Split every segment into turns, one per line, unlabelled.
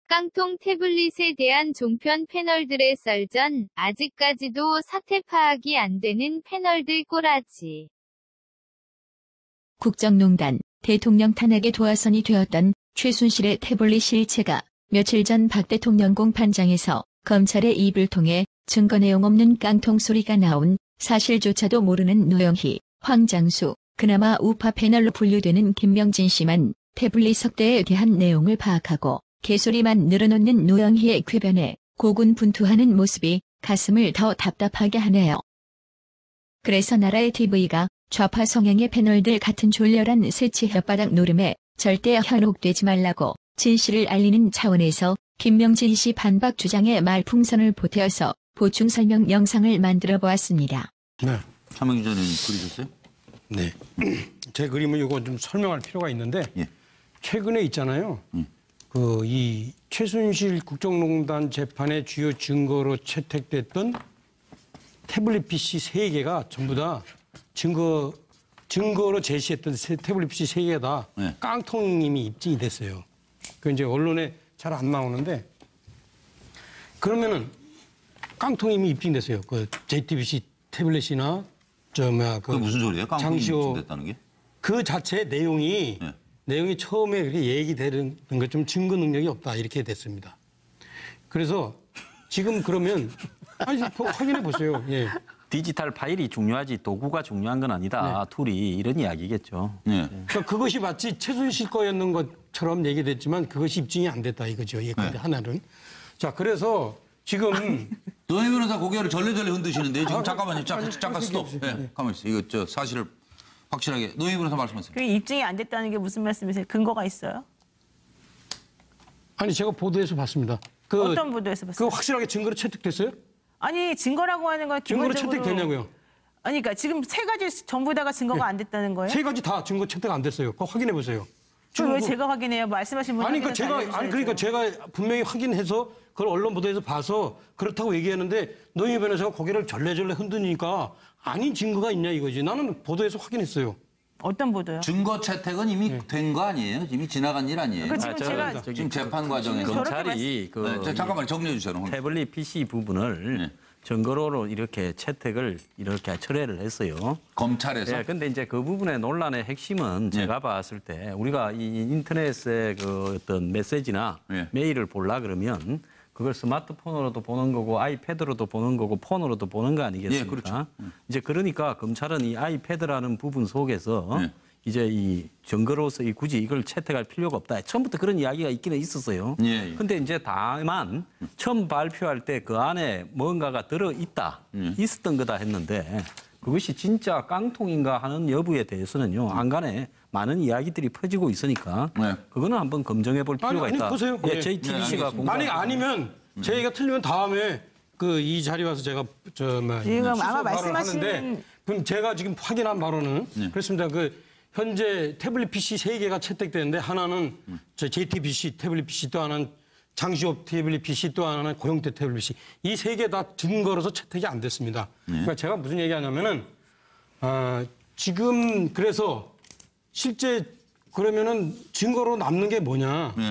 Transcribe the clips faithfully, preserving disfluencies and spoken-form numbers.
깡통 태블릿에 대한 종편 패널들의 썰전, 아직까지도 사태 파악이 안 되는 패널들 꼬라지.
국정농단, 대통령 탄핵의 도화선이 되었던 최순실의 태블릿 실체가 며칠 전 박 대통령 공판장에서 검찰의 입을 통해 증거 내용 없는 깡통 소리가 나온 사실조차도 모르는 노영희, 황장수, 그나마 우파 패널로 분류되는 김명진 씨만 태블릿 석대에 대한 내용을 파악하고 개소리만 늘어놓는 노영희의 궤변에 고군분투하는 모습이 가슴을 더 답답하게 하네요. 그래서 나라의 티비가 좌파 성향의 패널들 같은 졸렬한 새치 혓바닥 노름에 절대 현혹되지 말라고 진실을 알리는 차원에서 김명진 씨 반박 주장에 말풍선을 보태어서 보충 설명 영상을 만들어 보았습니다.
네.
하명기 전에 그리셨어요?
네. 제 그림을 이거 좀 설명할 필요가 있는데
예.
최근에 있잖아요.
음.
그 이 최순실 국정농단 재판의 주요 증거로 채택됐던 태블릿 피씨 세 개가 전부 다 증거 증거로 제시했던 태블릿 피씨 세 개가 다
네.
깡통님이 입증이 됐어요. 그 이제 언론에 잘 안 나오는데 그러면은 깡통님이 입증됐어요. 그 제이티비씨 태블릿이나 저 뭐야 그
그게 무슨 소리예요? 깡통이 입증됐다는 게?
그 자체 내용이
네.
내용이 처음에 그렇게 얘기되는 것 좀 증거 능력이 없다 이렇게 됐습니다. 그래서 지금 그러면 아니 확인해 보세요. 예.
디지털 파일이 중요하지 도구가 중요한 건 아니다.
네.
툴이 이런 이야기겠죠.
네.
그러니까 그것이 마치 최순실 거였는 것처럼 얘기됐지만 그것이 입증이 안 됐다 이거죠. 예, 근데
네.
하나는 자 그래서 지금
노영희 변호사 고개를 절레절레 흔드시는데요. 지금
아,
잠깐만요.
아니,
잠깐,
아니,
잠깐
아니,
스톱.
아니,
네,
아니.
가만히 있어요. 이거 저 사실을 확실하게 노영희 변호사 말씀하세요.
그게 입증이 안 됐다는 게 무슨 말씀이세요? 근거가 있어요?
아니 제가 보도에서 봤습니다. 그,
어떤 보도에서
그
봤어요?
확실하게 증거로 채택됐어요?
아니 증거라고 하는 건
증거로
기본적으로
채택됐냐고요?
아니 그러니까 지금 세 가지 전부 다가 증거가
네.
안 됐다는 거예요?
세 가지 다 증거 채택 안 됐어요. 그거 확인해 보세요.
그걸 왜
증거-
제가 확인해요? 말씀하신 분
아니 그러니까 제가
알려주셔야죠.
아니 그러니까 제가 분명히 확인해서 그걸 언론 보도에서 봐서 그렇다고 얘기하는데 노영희 변호사가 고개를 절레절레 흔드니까 아닌 증거가 있냐 이거지. 나는 보도에서 확인했어요.
어떤 보도요?
증거 채택은 이미 된 거 아니에요? 이미 지나간 일 아니에요?
그 지금
아, 저,
제가
저기
지금 재판 과정에서.
저렇게
검찰이 그
네, 저 잠깐만 정리해 주세요. 오늘.
태블릿 피씨 부분을
네.
증거로 이렇게 채택을 이렇게 철회를 했어요.
검찰에서.
예, 근데 이제 그 부분의 논란의 핵심은
네.
제가 봤을 때 우리가 이 인터넷의 그 어떤 메시지나
네.
메일을 보려 그러면 그걸 스마트폰으로도 보는 거고 아이패드로도 보는 거고 폰으로도 보는 거 아니겠습니까?
예, 그렇죠.
이제 그러니까 검찰은 이 아이패드라는 부분 속에서
네.
이제 이 증거로서 이 굳이 이걸 채택할 필요가 없다. 처음부터 그런 이야기가 있기는 있었어요.
예, 예.
근데 이제 다만 처음 발표할 때 그 안에 뭔가가 들어 있다,
예.
있었던 거다 했는데 그것이 진짜 깡통인가 하는 여부에 대해서는요 안간에 많은 이야기들이 퍼지고 있으니까
네.
그거는 한번 검증해 볼 필요가
아니, 아니,
있다.
보세요.
예,
예.
제이티비씨가
네,
공부.
만약 아니면 제 얘기가 틀리면 다음에 그 이 자리 와서 제가 저뭐
지금 아마 말씀하시는-
그럼 제가 지금 확인한 바로는
네.
그렇습니다. 그 현재 태블릿 피씨 세 개가 채택되는데 하나는 저 제이티비씨 태블릿 피씨 또 하나는 장시호 태블릿 피씨 또 하나는 고영태 태블릿 피씨 이 세 개 다 증거로서 채택이 안 됐습니다. 그러니까 제가 무슨 얘기하냐면은 아, 지금 그래서 실제 그러면은 증거로 남는 게 뭐냐?
예.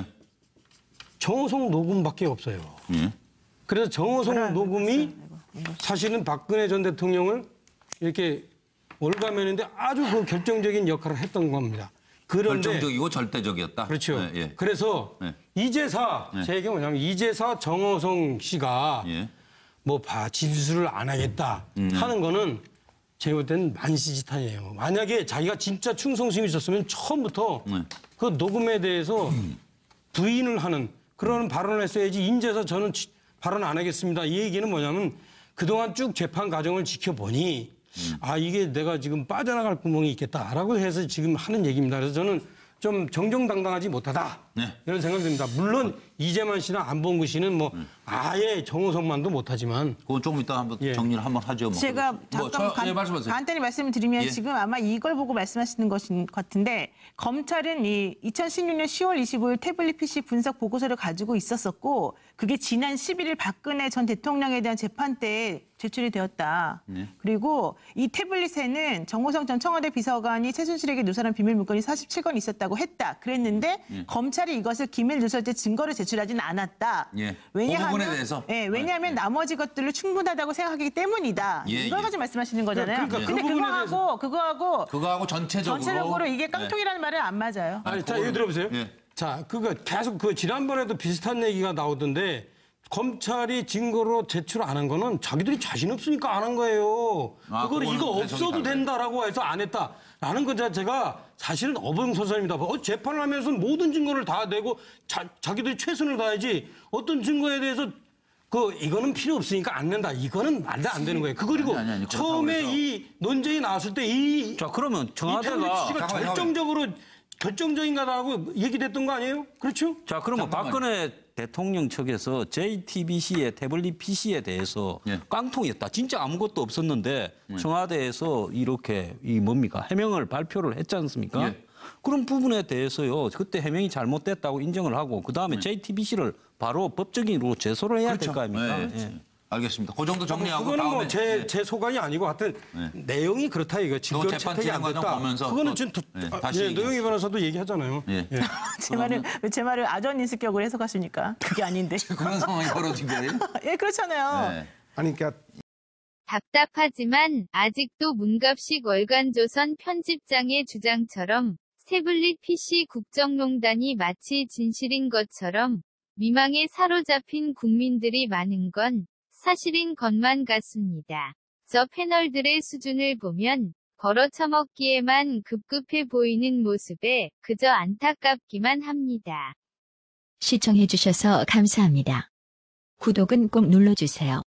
정호성 녹음밖에 없어요.
예.
그래서 정호성 녹음이 사실은 박근혜 전 대통령을 이렇게 올가매는데 아주 그 결정적인 역할을 했던 겁니다. 그런데
결정적이고 절대적이었다.
그렇죠.
예, 예.
그래서
네.
이제사
네.
제 얘기가 뭐냐면 이제사 정호성 씨가
예.
뭐 봐, 진술을 안 하겠다
음, 네.
하는 거는 제가 볼 때는 만시지탄이에요. 만약에 자기가 진짜 충성심이 있었으면 처음부터
네.
그 녹음에 대해서 부인을 하는 그런 발언을 했어야지 인제서 저는 지- 발언 안 하겠습니다. 이 얘기는 뭐냐면 그동안 쭉 재판 과정을 지켜보니 아 이게 내가 지금 빠져나갈 구멍이 있겠다라고 해서 지금 하는 얘기입니다. 그래서 저는 좀 정정당당하지 못하다
네.
이런 생각이 듭니다. 물론 이재만 씨나 안봉구 씨는 뭐 아예 정호성만도 못하지만
그건 조금 이따 한번
예.
정리를 한번 하죠. 뭐.
제가
뭐,
잠깐
저,
간,
예, 말씀하세요.
간단히 말씀을 드리면
예.
지금 아마 이걸 보고 말씀하시는 것인 것 같은데 검찰은 이 이천십육 년 시월 이십오일 태블릿 피씨 분석 보고서를 가지고 있었었고 그게 지난 십일일 박근혜 전 대통령에 대한 재판 때 제출이 되었다.
네.
그리고 이 태블릿에는 정호성 전 청와대 비서관이 최순실에게 누설한 비밀 문건이 사십칠 건 있었다고 했다. 그랬는데 검찰이 검찰이 이것을 기밀 누설죄 증거로 제출하지는 않았다.
예. 그
왜냐하면
부분에 대해서?
예, 왜냐하면
네.
나머지 것들로 충분하다고 생각하기 때문이다.
예,
이걸
예.
가지고 말씀하시는 거잖아요.
그러니까 그
근데
부분에
그거하고
대해서-
그거하고
그거하고 전체적으로
전체적으로 이게
네.
깡통이라는 말은 안 맞아요.
아니, 자,
그거는-
이거 들어보세요.
예.
자, 그거 계속 그 지난번에도 비슷한 얘기가 나오던데 검찰이 증거로 제출 안 한 거는 자기들이 자신 없으니까 안 한 거예요.
아,
그걸
그거는
이거
해석이
없어도
다르네.
된다라고 해서 안 했다라는 것 자체가 사실은 어벙소설입니다. 어, 재판을 하면서 모든 증거를 다 내고 자, 자기들이 최선을 다해야지 어떤 증거에 대해서 그 이거는 필요 없으니까 안 낸다. 이거는 말도 안 되는 거예요. 그 그리고
아니, 아니, 아니, 그렇다고
처음에
해서.
이 논쟁이 나왔을 때이
자, 그러면
이 태블릿
청와대가
씨가
잠깐만요.
결정적으로 결정적인가라고 얘기됐던 거 아니에요? 그렇죠?
자, 그러면
잠깐만요.
박근혜 대통령 측에서 제이티비씨의 태블릿 피씨에 대해서
예.
깡통이었다. 진짜 아무것도 없었는데 청와대에서 이렇게 이 뭡니까? 해명을 발표를 했지 않습니까?
예.
그런 부분에 대해서요. 그때 해명이 잘못됐다고 인정을 하고 그다음에 제이티비씨를 바로 법적인으로 제소를 해야 될 거 아닙니까?
네,
예.
알겠습니다. 그 정도 정리하고
그거는
다음에
뭐 제
네.
제 소관이 아니고 하여튼 내용이 그렇다 이거 증거
재판
채택이 안
진행 과정
됐다.
보면서
그거는
또,
지금 도-
네,
아,
다시
예,
얘기하죠.
노영희 변호사도 얘기하잖아요.
예.
예.
제 말을 왜 제 말을 아전 인습격으로 해석하십니까? 그게 아닌데.
그런 상황이 벌어진 거예요?
예, 그렇잖아요.
네.
아니 그러니까
답답하지만 아직도 문갑식 월간조선 편집장의 주장처럼 태블릿 피씨 국정농단이 마치 진실인 것처럼 미망에 사로잡힌 국민들이 많은 건 사실인 것만 같습니다. 저 패널들의 수준을 보면 걸어쳐먹기에만 급급해 보이는 모습에 그저 안타깝기만 합니다.
시청해주셔서 감사합니다. 구독은 꼭 눌러주세요.